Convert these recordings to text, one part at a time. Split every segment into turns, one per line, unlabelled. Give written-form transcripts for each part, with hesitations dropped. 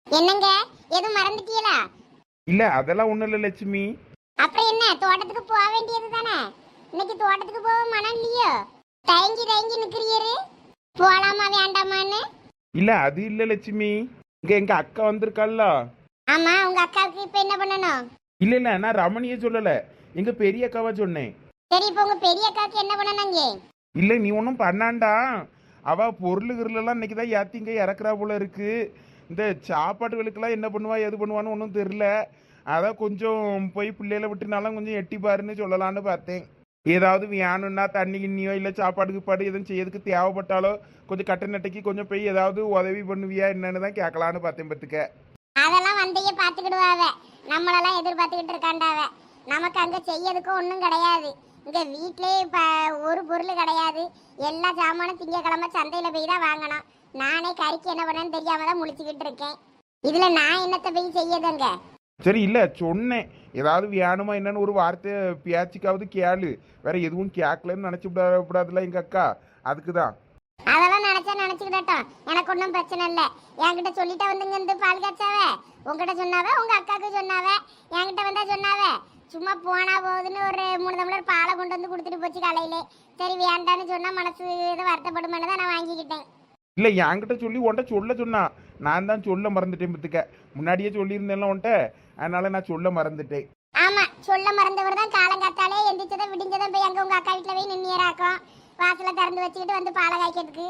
என்னங்க எதுவும் மறந்துட்டீங்களா?
இல்ல அதெல்லாம் ஒண்ணும் இல்ல லட்சுமி.
அப்புறம் என்ன, தோட்டத்துக்கு போக வேண்டியது தானே. இன்னைக்கு தோட்டத்துக்கு போக மனம் இல்லையோ? தயங்கி தயங்கி நிக்கிறீரு, போலாமா வேண்டாமான்னு?
இல்ல அது இல்ல லட்சுமி, இங்க எங்க அக்கா வந்திருக்காள்ல.
ஆமா, உங்க அக்காவுக்கு இப்ப என்ன பண்ணணும்?
இல்ல இல்ல நான் ரமணிய சொல்லல, எங்க பெரிய அக்காவா சொன்னேன்.
சரி, இப்ப உங்க பெரிய அக்காவுக்கு என்ன பண்ணணுங்க?
இல்ல நீ ஒன்றும் பண்ணாண்டா, அவ பொருள் கிருளெல்லாம் இன்னைக்கு தான் ஏத்தி இங்க இறக்குறா போல இருக்கு. இந்த சாப்பாட்டுகளுக்கெல்லாம் என்ன பண்ணுவா எது பண்ணுவான்னு ஒன்றும் தெரியல. அதான் கொஞ்சம் போய் பிள்ளைகளை விட்டுனாலும் கொஞ்சம் எட்டி பாருன்னு சொல்லலான்னு பார்த்தேன். ஏதாவது வேணும்னா தண்ணி கிண்ணியோ இல்லை சாப்பாடுக்கு பாடு எதுவும் செய்யறதுக்கு தேவைப்பட்டாலோ கொஞ்சம் கட்ட நட்டைக்கு கொஞ்சம் போய் ஏதாவது உதவி பண்ணுவியா என்னன்னு தான் கேட்கலான்னு பார்த்தேன் பத்துக்க.
அதெல்லாம் வந்தைய பாத்துக்கிடுவாவ, நம்மளெல்லாம் எதிர்பார்த்துக்கிட்டு இருக்காண்டாவ. நமக்கு அங்க செய்யறதுக்கும் ஒன்றும் கிடையாது. இங்க வீட்லயே இப்ப ஒரு பொருள் கிடையாது. எல்லா சாமானும் திங்கக்கிழமை சந்தையில போய் தான் வாங்கணும். நானே கறிக்கு என்ன பண்ணேன்னு தெரியாம தான் முழிச்சுக்கிட்டு இருக்கேன். இதுல நான் என்னத்தை போய் செய்யதுங்க?
சரி இல்லை சொன்னேன், ஏதாவது வேணுமா என்னன்னு ஒரு வார்த்தை பேச்சுக்காவது கேளு. வேற எதுவும் கேட்கலன்னு நினச்சி விடாதுல எங்கள் அக்கா, அதுக்கு தான்.
அதெல்லாம் நினைச்சா நினைச்சுக்கிட்டோம், எனக்கு ஒன்றும் பிரச்சனை இல்லை. என்கிட்ட சொல்லிட்டா வந்துங்க இந்த பால் காய்ச்சாவ. உங்ககிட்ட சொன்னாவ, உங்க அக்காவுக்கு சொன்னாவ, என்கிட்ட வந்தா சொன்னாவ. சும்மா போனா போகுதுன்னு ஒரு 3 டம்ளர் பாலை கொண்டு வந்து கொடுத்துட்டு போச்சு காலையிலே. சரி வேண்டான்னு சொன்னா மனசு இது வருத்தப்படுமென்னு தான் நான் வாங்கிக்கிட்டேன்.
இல்லை என்கிட்ட சொல்லி உன்ட்ட சொல்ல சொன்னா, நான் தான் சொல்ல மறந்துட்டேன் பத்துக்க. முன்னாடியே சொல்லியிருந்தேன்ல உன்ட்ட, அதனால நான் சொல்ல மறந்துட்டேன்.
ஆமா, சொல்ல மறந்தவர் தான் காலங்காத்தாலே எந்திரிச்சதை விடிஞ்சதை போய் அங்க உங்க அக்கா வீட்டுல போய் நின்னியராக்கும். வாசல திறந்து வச்சுக்கிட்டு வந்து பாலை காய்க்கிறதுக்கு.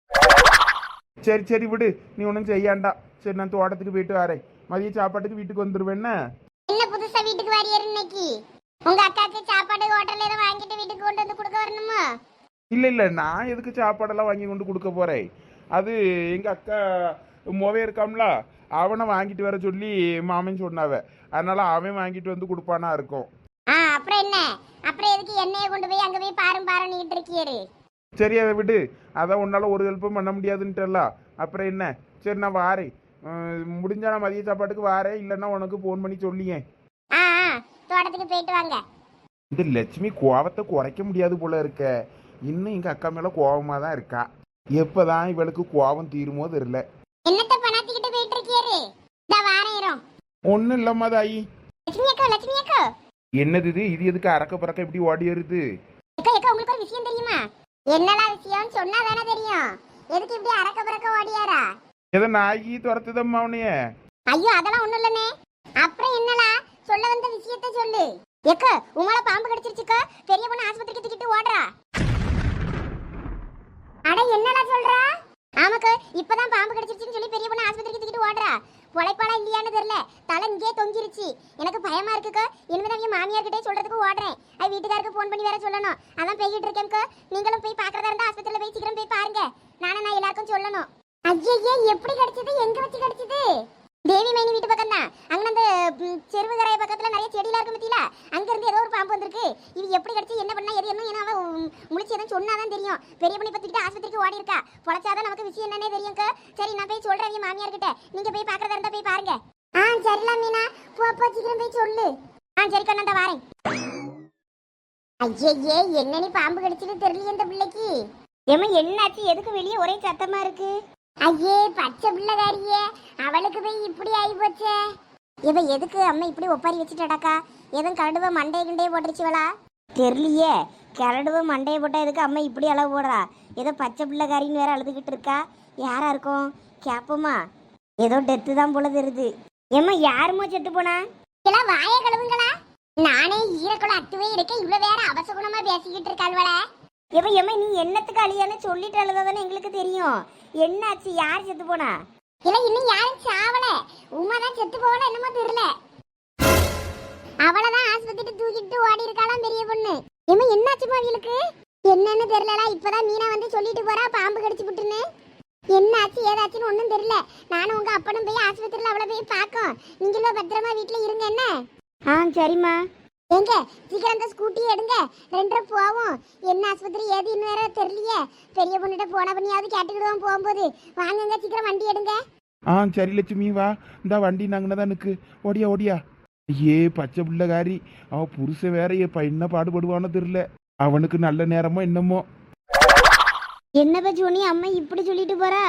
சரி சரி விடு, நீ ஒன்றும் செய்யாண்டா. சரி நான் தோட்டத்துக்கு போயிட்டு வரேன், மதிய சாப்பாட்டுக்கு வீட்டுக்கு வந்துடுவேன்னா.
என்ன புதுசா வீட்டுக்கு வாரியர் இன்னைக்கு? உங்க அக்காக்கு சாப்பாடு ஹோட்டல்ல ஏதோ வாங்கிட்டு வீட்டுக்கு கொண்டு வந்து கொடுக்க வரணுமா?
இல்லை இல்லை நான் எதுக்கு சாப்பாடெல்லாம் வாங்கி கொண்டு கொடுக்க போகிறேன். அது எங்கள் அக்கா மொவே இருக்காம்ல, அவனை வாங்கிட்டு வர சொல்லி மாமன் சொன்னாவ. அதனால அவன் வாங்கிட்டு வந்து கொடுப்பானா இருக்கும்.
அப்புறம் என்ன? அப்புறம் எதுக்கு எண்ணெயை கொண்டு போய் அங்க போய் பாருன்னு இருக்கியாரு?
சரி அதை விடு, அதான் உன்னால் ஒரு ஹெல்ப்பும் பண்ண முடியாதுன்ட்டல. அப்புறம் என்ன, சரி நான் வாரேன். முடிஞ்சா நான் மதிய சாப்பாட்டுக்கு வாரேன், இல்லைன்னா உனக்கு ஃபோன் பண்ணி சொல்லியேன்.
தோட்டத்துக்கு போயிட்டு வாங்க.
இந்த லட்சுமி கோவத்தை குறைக்க முடியாது போல இருக்க. இன்னும் எங்கள் அக்கா மேலே கோவமாக தான் இருக்கா. எப்போதான் இவளுக்கு கோவம் தீருமோ தெரியல.
என்னத்த பணாத்திக்கிட்டு போயிட்டு இருக்கியாரு? இந்த வாரம்
ஒன்றும் இல்லம்மா தாயி.
லட்சுமி அக்கா, லட்சுமி அக்கா.
என்னது இது எதுக்கு அறக்க பறக்க இப்படி ஓடி வருது?
அக்கா அக்கா, உங்களுக்கு ஒரு விஷயம் தெரியுமா? என்னடா விஷயம்னு சொன்னா தானே தெரியும். எதுக்கு இப்படி அரக்க பறக்க ஓடியாரா?
ஏதோ நாயி துரத்துதம்மா அவனைய.
ஐயோ அதெல்லாம் ஒண்ணும் இல்லனே. அப்புறம் என்னடா சொல்ல வந்த விஷயத்தை சொல்லு. ஏக்கா, உமால பாம்பு கடிச்சிருச்சுக்கா. பெரிய பொண்ணு ஆஸ்பத்திரிக்கு தூக்கிட்டு ஓடுறா. அட என்னடா சொல்றா? ஆமாக்கா, இப்பதான் பாம்பு கடிச்சிருச்சுன்னு சொல்லி பெரிய பொண்ணு ஆஸ்பத்திரிக்கு தூக்கிட்டு ஓடுறா. பொழைப்பாளா இல்லையான்னு தெரியல, தலை இங்கே தொங்கிருச்சு. எனக்கு பயமா இருக்குக்கா. இனிமேதான் என் மாமியார்கிட்டே சொல்றதுக்கு ஓடுறேன். அது வீட்டுக்காருக்கு ஃபோன் பண்ணி வேற சொல்லணும். அதான் போய்கிட்டு இருக்கேன்க்கா. நீங்களும் போய் பாக்குறதா இருந்தா ஆஸ்பத்திரியில போய் சீக்கிரம் போய் பாருங்க. நான் எல்லாருக்கும் சொல்லணும். ஐயே, எப்படி கிடைச்சது? எங்க வச்சு கிடைச்சது? தேவி மைனி வீட்டு பக்கம் தான். அங்க அந்த செருவுகரைய பக்கத்துல நிறைய செடியெல்லாம் இருக்கு பத்தியில. அங்க இருந்து ஏதோ ஒரு பாம்பு வந்திருக்கு. இது எப்படி கிடைச்சு, என்ன பண்ணா, எது என்ன அவ முழிச்சு எதுவும் சொன்னாதான் தெரியும். பெரிய பண்ணி பத்திக்கிட்டு ஆஸ்பத்திரிக்கு ஓடி இருக்கா. பொழைச்சாதான் நமக்கு விஷயம் என்னன்னே தெரியும்க்கா. சரி நான் போய் சொல்றேன் என் மாமியார் கிட்ட. நீங்க போய் பாக்குறதா இருந்தா போய் பாருங்க. சரிலாம் மீனா, போ சீக்கிரம் போய் சொல்லு. சரிக்கா, நான் வாரேன். ஐயே, என்ன நீ பாம்பு கடிச்சிட்டு தெரியல இந்த பிள்ளைக்கு. ஏமா என்னாச்சு? எதுக்கு வெளியே ஒரே சத்தமா இருக்கு? ஐயே, பச்சை பிள்ளைகாரியே, அவளுக்கு போய் இப்படி ஆகி போச்சே. இவ எதுக்கு அம்மா இப்படி ஒப்பாரி வச்சுட்டாக்கா? எதுவும் கரடுவ மண்டைய கிண்டைய போட்டுருச்சுவளா? தெரியலையே. கரடுவ மண்டைய போட்டா எதுக்கு அம்மா இப்படி அளவு போடுறா? ஏதோ பச்சை பிள்ளைகாரின்னு வேற அழுதுகிட்டு இருக்கா. யாரா இருக்கும் கேப்போமா? ஏதோ டெத்து தான் போல தெரியுது. ஏம்மா யாருமோ செத்து போனா? எல்லாம் வாய கழுவுங்களா? நானே ஈரக்குள்ள அத்துவே இருக்க, இவ்வளவு வேற அவசகுணமா பேசிக்கிட்டு இருக்காள்வள. எம்மா நீ என்னத்துக்கு அழியான்னு சொல்லிட்டு அழுதாதானே எங்களுக்கு தெரியும். என்னாச்சு? யார் செத்து போனா? இல்ல இன்னும் யாரும் சாவல. உமா தான் செத்து போகல, என்னமோ தெரியல. அவளதான் ஆஸ்பத்திரி தூக்கிட்டு ஓடி இருக்காளாம் பெரிய பொண்ணு. ஏம்மா என்னாச்சுமா அவளுக்கு? என்னன்னு தெரியலடா. இப்பதான் மீனா வந்து சொல்லிட்டு போறா பாம்பு கடிச்சு விட்டுன்னு. என்னாச்சு ஏதாச்சுன்னு ஒன்றும் தெரியல. நானும் உங்க அப்பனும் போய் ஆஸ்பத்திரியில் அவளை போய் பார்க்கோம். நீங்களும் பத்திரமா வீட்டில் இருங்க என்ன? சரிம்மா. எங்க சீக்கிரம் அந்த ஸ்கூட்டியை எடுங்க, 2 போவோம். என்ன ஆஸ்பத்திரி ஏது இன்னும் வேற தெரியலையே. பெரிய பொண்ணுகிட்ட போன பண்ணியாவது கேட்டுக்கிடுவோம் போகும்போது. வாங்குங்க சீக்கிரம் வண்டி எடுங்க.
சரி லட்சுமி வா, இந்த வண்டி நாங்கன்னு நிற்கு. ஓடியா ஓடியா. ஏ பச்சை பிள்ளைகாரி, அவ புருஷன் வேற என்ன பாடுபடுவானோ தெரியல. அவனுக்கு நல்ல நேரமோ என்னமோ.
என்னப்பா ஜோனி, அம்மா இப்படி சொல்லிட்டு போறா?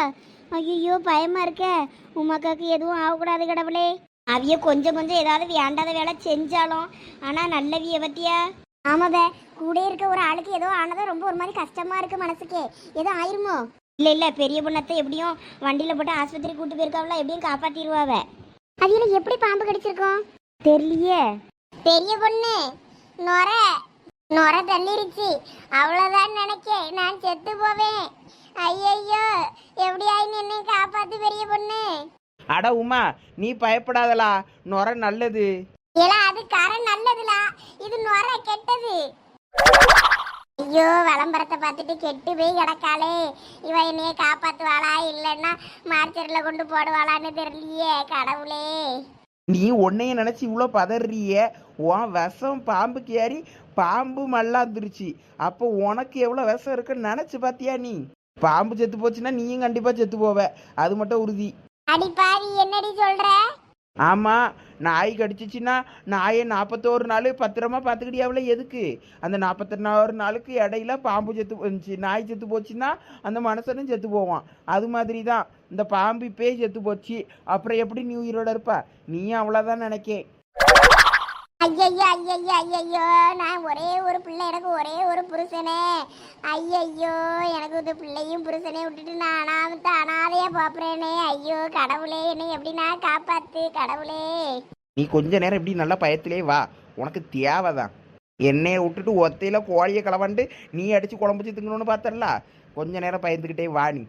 ஐயோ பயமா இருக்க. உமாக்காக்கு எதுவும் ஆகக்கூடாது கடவுளே. அவிய கொஞ்சம் கொஞ்சம் ஏதாவது வேண்டாத வேலை செஞ்சாலும் ஆனா நல்லவிய பத்தியா. ஆமாவே, கூட இருக்க ஒரு ஆளுக்கு ஏதோ ஆனதா ரொம்ப ஒரு மாதிரி கஷ்டமா இருக்கு மனசுக்கு. ஏதோ ஆயிருமோ? இல்ல இல்ல, பெரிய பொண்ணத்தை எப்படியும் வண்டியில போட்டு ஆஸ்பத்திரி கூட்டு போயிருக்காவல, எப்படியும் காப்பாத்திடுவாவ. அதுல எப்படி பாம்பு கடிச்சிருக்கோம் தெரியலையே. பெரிய பொண்ணு நொர நொர தள்ளிருச்சு, அவ்வளவுதான் நினைக்க. நான் செத்து போவேன். ஐயையோ, எப்படி ஆயின்னு என்னை காப்பாத்து பெரிய பொண்ணு.
அட உமா, நீ பயப்படாதலா, நொர நல்லது.
ஏலா, அது கரை நல்லதுலா, இது நொர கெட்டது. ஐயோ, விளம்பரத்தை பார்த்துட்டு கெட்டு போய் கிடக்காளே. இவ என்னைய காப்பாத்துவாளா இல்லைன்னா மார்ச்சரில் கொண்டு போடுவாளான்னு தெரியலையே கடவுளே.
நீ உன்னைய நினைச்சு இவ்வளோ பதறிய. உன் விஷம் பாம்புக்கு ஏறி பாம்பு மல்லாந்துருச்சு. அப்போ உனக்கு எவ்வளோ விஷம் இருக்குன்னு நினைச்சு பாத்தியா நீ? பாம்பு செத்து போச்சுன்னா நீயும் கண்டிப்பா செத்து போவ, அது மட்டும் உறுதி.
அடிப்பாவி, என்னடி சொல்ற?
ஆமா, நாய் கடிச்சிச்சுன்னா நாயை 41 நாள் பத்திரமா பார்த்துக்கிட்டியாவில். எதுக்கு? அந்த 41 நாளுக்கு இடையில பாம்பு செத்து போச்சு, நாய் செத்து போச்சுன்னா அந்த மனுஷனும் செத்து போவான். அது மாதிரி தான் இந்த பாம்பு இப்பே செத்து போச்சு. அப்புறம் எப்படி நீ உயிரோட இருப்பா? நீயும் அவ்வளோதான் நினைக்கேன்.
ஐயையோ ஐயையோ ஐயையோ, நான் ஒரே ஒரு பிள்ளை, எனக்கு ஒரே ஒரு புருஷனே. ஐயையோ, எனக்கு இந்த பிள்ளையும் புருஷனே விட்டுட்டு நான் அனாதையா பாப்புறேனே. ஐயோ கடவுளே, என்னை எப்படி நான் காப்பாத்து கடவுளே.
நீ கொஞ்ச நேரம் இப்படி நல்லா பயத்திலே வா, உனக்கு தேவைதான். என்னைய விட்டுட்டு ஒத்தையில கோழியை களவாண்டு நீ அடிச்சு குழம்புச்சு திங்கணும்னு பார்த்தல. கொஞ்ச நேரம் பயந்துக்கிட்டே வா நீ.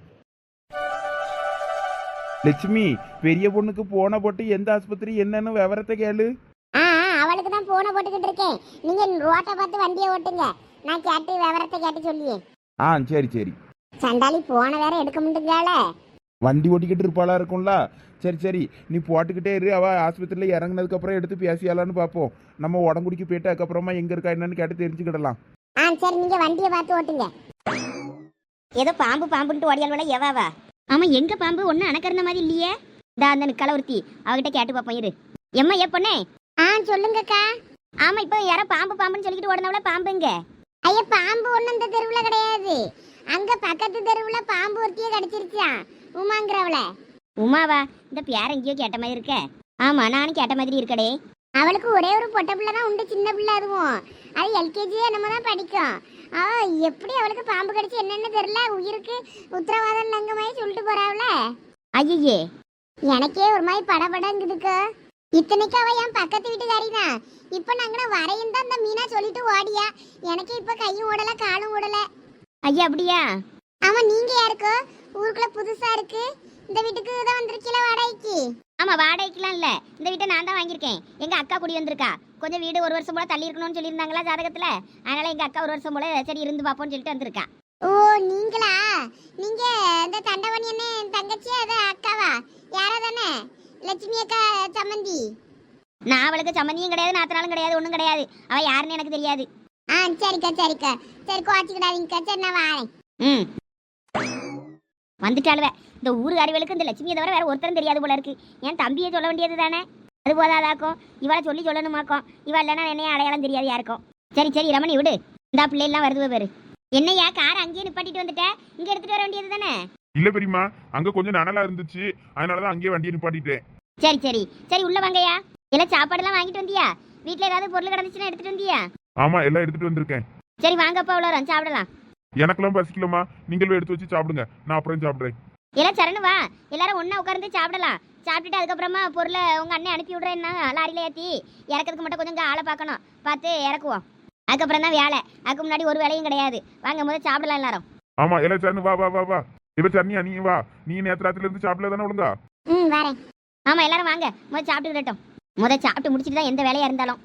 லட்சுமி, பெரிய பொண்ணுக்கு போன போட்டு எந்த ஆஸ்பத்திரி என்னன்னு விவரத்தை கேளு.
அவளுக்கு தான் போன போட்டுக்கிட்டு இருக்கேன். நீங்க ரோட்டை பார்த்து வண்டியை ஓட்டுங்க, நான் கேட்டு விவரத்தை கேட்டு சொல்லியே.
சரி சரி.
சண்டாளி போன வேற எடுக்க முடியுங்கால.
வண்டி ஓட்டிக்கிட்டு இருப்பாளா இருக்கும்ல. சரி சரி, நீ போட்டுக்கிட்டே இரு. அவ ஆஸ்பத்திரியில் இறங்குனதுக்கு அப்புறம் எடுத்து பேசியாலான்னு பார்ப்போம். நம்ம உடம்புடிக்கு போயிட்டு அதுக்கப்புறமா எங்க இருக்கா என்னன்னு கேட்டு தெரிஞ்சுக்கிடலாம்.
சரி, நீங்க வண்டியை பார்த்து ஓட்டுங்க. ஏதோ பாம்பு பாம்புன்ட்டு ஓடியால் எவாவா? ஆமா, எங்க பாம்பு ஒன்னும் அணக்கிறந்த மாதிரி இல்லையே. அந்த கலவர்த்தி அவகிட்ட கேட்டு பார்ப்போம் இரு. எம்மா ஏ பொண்ணே. சொல்லுங்கக்கா. ஆமா, இப்போ யாரோ பாம்பு பாம்புன்னு சொல்லிட்டு ஓடுனவள பாம்புங்க. ஐயா, பாம்பு ஒன்றும் இந்த தெருவில் கிடையாது. அங்க பக்கத்து தெருவில் பாம்பு ஒருத்தியே கடிச்சிருச்சான், உமாங்கிறவள. உமாவா? இந்த பேர் எங்கேயோ கேட்ட மாதிரி இருக்க. ஆமா, நானும் கேட்ட மாதிரி இருக்கடே. அவளுக்கு ஒரே ஒரு பொட்டை பிள்ளை தான் உண்டு, சின்ன பிள்ளை. அதுவும் அது எல்கேஜி என்னமோ தான் படிக்கும். எப்படி அவளுக்கு பாம்பு கடிச்சு என்னன்னு தெரியல. உயிருக்கு உத்தரவாதம் இல்லைங்க மாதிரி சொல்லிட்டு போறாவல. ஐயே, எனக்கே ஒரு மாதிரி படபடங்குதுக்கு. இத்தனைக்கு அவ என் பக்கத்து வீட்டுக்காரி தான். இப்ப நாங்க வரையும் தான் அந்த மீனா சொல்லிட்டு ஓடியா. எனக்கு இப்ப கையும் ஓடல காலும் ஓடல. ஐயா அப்படியா? ஆமா, நீங்க யாருக்கோ ஊருக்குள்ள புதுசா இருக்கு. இந்த வீட்டுக்கு தான் வந்திருக்கீல வாடகைக்கு? ஆமா, வாடகைக்குலாம் இல்ல, இந்த வீட்டை நான் தான் வாங்கியிருக்கேன். எங்க அக்கா குடி வந்திருக்கா. கொஞ்சம் வீடு ஒரு வருஷம் போல தள்ளி இருக்கணும்னு சொல்லியிருந்தாங்களா ஜாதகத்துல. அதனால எங்க அக்கா ஒரு வருஷம் போல சரி இருந்து பாப்போம்னு சொல்லிட்டு வந்திருக்கா. ஓ, நீங்களா? நீங்க இந்த தண்டவணி என்ன தங்கச்சி அத அக்காவா? யாரா தானே? லட்சுமி அக்கா சம்மந்தி. நான் அவளுக்கு சம்மந்தியும் கிடையாது, நாத்தனாலும் கிடையாது, ஒன்றும் கிடையாது. அவ யாருன்னு எனக்கு தெரியாது. சரிக்கா சரிக்கா, சரி கோச்சிக்கிடாதீங்கக்கா. சரி, நான் வரேன். வந்துட்டாளுவே. இந்த ஊருக்காரிகளுக்கு இந்த லட்சுமியை தவிர வேற ஒருத்தரும் தெரியாது போல இருக்கு. என் தம்பியை சொல்ல வேண்டியது தானே, அது போதாதாக்கும். இவளை சொல்லணுமாக்கும். இவள் இல்லைன்னா என்னைய அடையாளம் தெரியாது யாருக்கும். சரி சரி ரமணி விடு, இந்த பிள்ளை எல்லாம் வருது பேரு. என்னையா கார் அங்கேயே நிப்பாட்டிட்டு வந்துட்ட, இங்க எடுத்துட்டு வர வேண்டியது தானே?
இல்ல பெரியமா, அங்க கொஞ்சம் நனலா இருந்துச்சு, அதனாலதான் அங்கேயே வண்டியை நிப்பாட்டிட்டேன்.
சரி சரி சரி, உள்ள வாங்கய்யா. எல்லாம் சாப்பாடெல்லாம் வாங்கிட்டு வந்தியா? வீட்டுல ஏதாவது பொருள் கிடந்துச்சுன்னா எடுத்துட்டு வந்தியா?
ஆமா, எல்லாம் எடுத்துட்டு வந்திருக்கேன்.
சரி வாங்கப்பா, உள்ள வரோம், சாப்பிடலாம்.
எனக்கெல்லாம் பசிக்கலமா, நீங்களும் எடுத்து வச்சு சாப்பிடுங்க, நான் அப்புறம் சாப்பிடுறேன்.
எல்லாம் சரணு வா, எல்லாரும் ஒண்ணா உட்கார்ந்து சாப்பிடலாம். சாப்பிட்டுட்டு அதுக்கப்புறமா பொருளை உங்க அண்ணன் அனுப்பி விடுறேன்னா லாரியில ஏற்றி இறக்கிறதுக்கு மட்டும் கொஞ்சம் ஆளை பார்க்கணும், பார்த்து இறக்குவோம். அதுக்கப்புறம் தான் வேலை. அதுக்கு முன்னாடி ஒரு வேலையும் கிடையாது. வாங்க முதல்ல சாப்பிடலாம் எல்லாரும்.
ஆமா, எல்லாம் சரணு வா வா வா வா. இப்ப சரணியா நீ வா, நீ நேற்று ராத்திரில இருந்து சாப்பிடல தானே ஒழுங்கா?
வரேன். ஆமா, எல்லாரும் வாங்க, முதல் சாப்பிட்டுக்கிட்டோம். முதல் சாப்பிட்டு முடிச்சுட்டு தான் எந்த வேலையா இருந்தாலும்.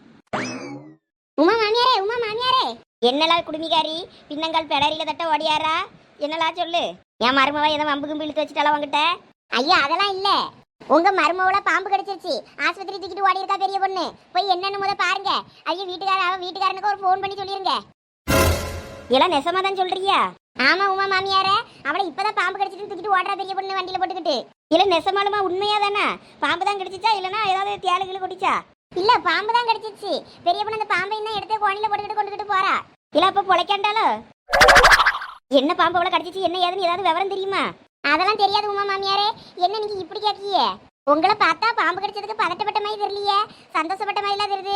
உமா மாமியாரே, உமா மாமியாரே. என்னலா குடுமிகாரி, பின்னங்கால் பெடரியில தட்ட ஓடியாரா? என்னலா சொல்லு. என் மருமவ ஏதோ வம்பு கும்பி இழுத்து வச்சுட்டாலும் உங்ககிட்ட? ஐயா அதெல்லாம் இல்ல, உங்க மருமவள பாம்பு கடிச்சிருச்சு, ஆஸ்பத்திரி தூக்கிட்டு ஓடி இருக்கா பெரிய பொண்ணு. போய் என்னன்னு முத பாருங்க. ஐயா வீட்டுக்காரனுக்கு ஒரு போன் பண்ணி சொல்லிருங்க. எல்லாம் நெசமா தான் சொல்றியா? ஆமா உமா மாமியாரே, அவளை இப்பதான் பாம்பு கடிச்சிட்டு தூக்கிட்டு ஓடுறா பெரிய பொண்ணு வண்டியில போட்டுக்கிட்டு. இல்ல நெசமாலுமா உண்மையா தானே? பாம்பு தான் கடிச்சிச்சா இல்லனா ஏதாவது தேளுகளை கொடிச்சா? இல்ல, பாம்பு தான் கடிச்சிச்சு. பெரிய பொண்ணு அந்த பாம்பை தான் எடுத்து கோணில போட்டுக்கிட்டு கொண்டுகிட்டு போறா. இல்ல அப்ப பொழைக்காண்டாலோ? என்ன பாம்பு அவளை கடிச்சிச்சு, என்ன ஏதுன்னு ஏதாவது விவரம் தெரியுமா? அதெல்லாம் தெரியாது உமா மாமியாரே. என்ன நீங்க இப்படி கேட்கியே? உங்களை பார்த்தா பாம்பு கடிச்சதுக்கு பதட்டப்பட்ட மாதிரி தெரியலையே, சந்தோஷப்பட்ட மாதிரிலாம் தெரியுது.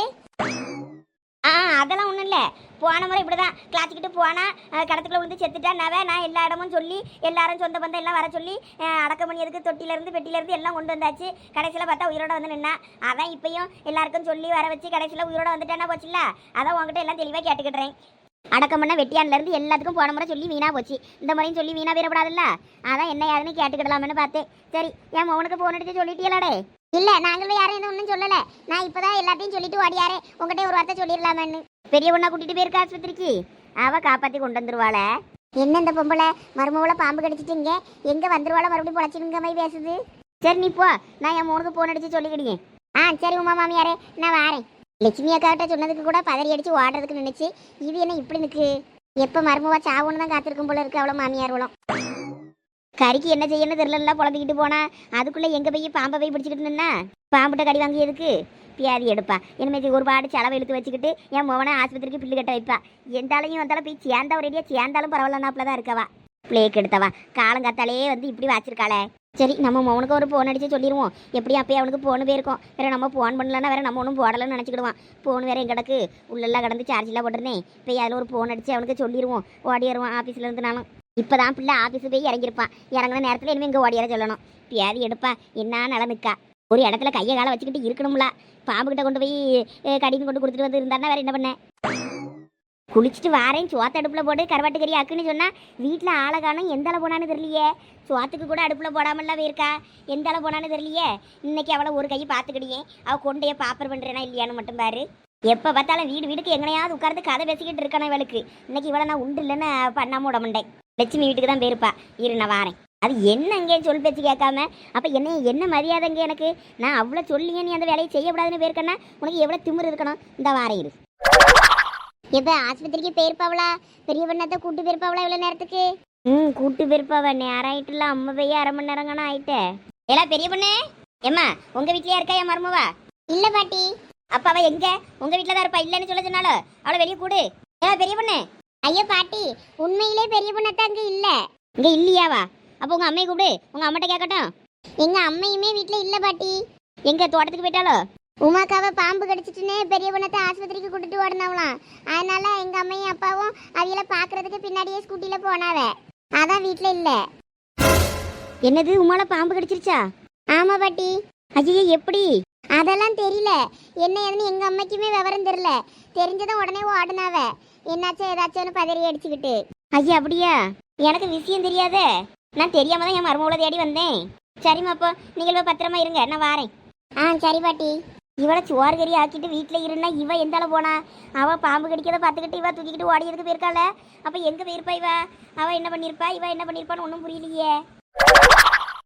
அதெல்லாம் ஒன்றும் இல்லை. போன முறை இப்படிதான் கிளாச்சிக்கிட்டு போனா கடத்துக்குள்ள விழுந்து செத்துட்டா நான் எல்லா இடமும் சொல்லி எல்லாரும் சொந்த பந்தம் எல்லாம் வர சொல்லி அடக்கம் பண்ணியதுக்கு தொட்டிலேருந்து பெட்டிலேருந்து எல்லாம் கொண்டு வந்தாச்சு. கடைசியில் பார்த்தா உயிரோட வந்து நின்னா. அதான் இப்பயும் எல்லாருக்கும் சொல்லி வர வச்சு கடைசியில் உயிரோட வந்துட்டேன்னா போச்சுல்ல. அதான் உங்ககிட்ட எல்லாம் தெளிவாக கேட்டுக்கிட்டுறேன். அடக்கம் பண்ண வெட்டியான்லேருந்து எல்லாத்துக்கும் போன முறை சொல்லி வீணா போச்சு. இந்த முறையும் சொல்லி வீணா வீரப்படாதுல்ல. அதான் என்ன யாருன்னு கேட்டுக்கிடலாம்னு பார்த்தேன். சரி, என் மௌனுக்கு போன் அடிச்சு சொல்லிட்டீங்களாடே? இல்லை, நாங்களும் யாரும் எதுவும் ஒன்றும் சொல்லலை. நான் இப்போ தான் எல்லாத்தையும் சொல்லிட்டு ஓடியாரே. உங்கள்கிட்ட ஒரு வார்த்தை சொல்லிடலாமேன்னு. பெரிய பொண்ணா கூட்டிகிட்டு போயிருக்கா ஆஸ்பத்திரிக்கு. அவள் காப்பாற்றி கொண்டு வந்துருவாள. என்ன இந்த பொம்பளை மருமவளை பாம்பு கடிச்சிட்டுங்க எங்கே வந்துருவாள மறுபடியும் பொழைச்சிடுங்க மாதிரி பேசுது. சரி நீ போ, நான் என் மௌனுக்கு போன் அடிச்சு சொல்லிக்கிடுங்க. சரி உமா மாமியாரே, நான் வாரேன். லட்சுமி அக்காவிட்ட சொன்னதுக்கு கூட பதறி அடிச்சு ஓடுறதுக்கு நினைச்சு இது என்ன இப்படி நிற்கு. எப்போ மருமவா சாவுன்னு தான் காத்திருக்கும் போல இருக்கு அவ்வளோ மாமியார்களும். கறிக்கு என்ன செய்யணும் தெரியல புலம்பிக்கிட்டு போனா அதுக்குள்ளே எங்கே போய் பாம்பை போய் பிடிச்சிக்கிட்டு நின்னா பாம்புட்ட கடி வாங்கி எதுக்கு பியாதி எடுப்பா. இனிமேல் ஒரு பாடு செலவை இழுத்து வச்சுக்கிட்டு என் மோவனை ஆஸ்பத்திரிக்கு பில்லு கட்ட வைப்பா. எந்தாலையும் வந்தாலும் போய் சேர்ந்தா ஒரேடியாக சேர்ந்தாலும் பரவாயில்லனாப்புல தான் இருக்கவா. பிளேக் எடுத்தவா காலங்காத்தாலே வந்து இப்படி வச்சிருக்காளே. சரி, நம்ம மௌனுக்கு ஒரு ஃபோன் அடித்து சொல்லிடுவோம். எப்படியும் அப்பயே அவனுக்கு ஃபோனு போயிருக்கோம். வேறு நம்ம ஃபோன் பண்ணலன்னா வேறு நம்ம ஒன்றும் போடலன்னு நினச்சிக்கிடுவான். ஃபோன் வேறு எங்கடக்கு உள்ளெல்லாம் கடந்து சார்ஜெலாம் போட்டுருந்தேன். போய் அதில் ஒரு ஃபோன் அடித்து அவனுக்கு சொல்லிடுவோம். ஓடி வருவான் ஆஃபீஸில் இருந்து. நானும் இப்போ தான் பிள்ளை ஆஃபீஸு போய் இறங்கியிருப்பான். இறங்குன நேரத்தில் இனிமேல் இங்கே ஓடியார சொல்லணும். பியாதி எடுப்பா என்ன நிலனுக்கா. ஒரு இடத்துல கையை காலை வச்சுக்கிட்டு இருக்கணும்ல. பாம்புக்கிட்ட கொண்டு போய் கடின்னு கொண்டு கொடுத்துட்டு வந்து இருந்தாருன்னா வேறு என்ன பண்ணேன். குளிச்சுட்டு வாரேன் சோத்த அடுப்பில் போட்டு கருவாட்டு கறி ஆக்குன்னு சொன்னால் வீட்டில் ஆளை காணும். எந்த அளவு போனான்னு தெரியலையே. சோத்துக்கு கூட அடுப்பில் போடாமல்லாம் இருக்கா. எந்த அளவு போனான்னு தெரியலையே. இன்னைக்கு அவளை ஒரு கையை பார்த்துக்கிடியே. அவள் கொண்டையே பாப்பர் பண்ணுறேனா இல்லையான்னு மட்டும் பாரு. எப்போ பார்த்தாலும் வீடுக்கு எங்கனையாவது உட்கார்ந்து கதை பேசிக்கிட்டு இருக்கானே இவளுக்கு. இன்னைக்கு இவளை நான் உண்டு இல்லைன்னு பண்ணாம விட மாட்டேன். லட்சுமி வீட்டுக்கு தான் போயிருப்பா. இரு நான் வாரேன். அது என்னங்க சொல் பேச்சு கேட்காம அப்போ என்ன மரியாதைங்க எனக்கு. நான் அவ்வளோ சொல்லிங்க நீ அந்த வேலையை செய்யக்கூடாதுன்னு போயிருக்கேன்னா உனக்கு எவ்வளோ திமிரு இருக்கணும். இந்த வாரம் இரு. எப்போ ஆஸ்பத்திரிக்கு போயிருப்பாவளா? பெரிய பண்ணத்தை கூட்டு போயிருப்பாவளா இவ்வளோ நேரத்துக்கு? கூட்டு போயிருப்பாவ. நேரம் ஆயிட்டுல. அம்மா போய் 1/2 மணி நேரங்கண்ணா ஆயிட்டே. எல்லாம் பெரிய பொண்ணு ஏம்மா உங்கள் வீட்லையா இருக்கா என் மருமவா? இல்லை பாட்டி. அப்போ அவள் எங்கே? உங்கள் வீட்டில் தான் இருப்பா. இல்லைன்னு சொல்ல சொன்னாலும் அவளை வெளியே கூடு. ஏன் பெரிய பொண்ணு? ஐயோ பாட்டி, உண்மையிலே பெரிய பொண்ணத்தான் அங்கே இல்லை. இங்கே இல்லையாவா? அப்போ உங்கள் அம்மையை கூப்பிடு. உங்கள் அம்மாட்ட கேட்கட்டும். எங்கள் அம்மையுமே வீட்டில் இல்லை பாட்டி. எங்கே தோட்டத்துக்கு போயிட்டாலோ? உமாக்காவை பாம்பு கடிச்சிட்டுன்னு பெரிய பொண்ணத்தை ஆஸ்பத்திரிக்கு கூட்டிட்டு ஓடினவளாம். அதனால எங்கள் அம்மையும் அப்பாவும் அவையில பார்க்கறதுக்கு பின்னாடியே ஸ்கூட்டியில் போனாவ. அதான் வீட்டில் இல்லை. என்னது உமால பாம்பு கடிச்சிருச்சா? ஆமாம் பாட்டி. ஐயோ எப்படி? அதெல்லாம் தெரியல. என்ன ஏதுன்னு எங்கள் அம்மைக்குமே விவரம் தெரியல. தெரிஞ்சதும் உடனே ஓடினாவ. என்னாச்சும் ஏதாச்சும்னு பதறி அடிச்சுக்கிட்டு. ஐயா அப்படியா? எனக்கு விஷயம் தெரியாதே. நான் தெரியாம தான் என் மருமகளை தேடி வந்தேன். சரிம்மா, அப்போ நீங்கள் பத்திரமா இருங்க, நான் வாரேன். சரி பாட்டி. இவளை சோறு கறி ஆக்கிட்டு வீட்டில் இருந்தா இவ எந்தால போனா? அவள் பாம்பு கடிக்கிறத பார்த்துக்கிட்டு இவ தூக்கிக்கிட்டு ஓடியதுக்கு போயிருக்காள. அப்போ எங்கே போயிருப்பா இவ? அவள் என்ன பண்ணியிருப்பா? இவ என்ன பண்ணியிருப்பான்னு ஒன்றும் புரியலையே.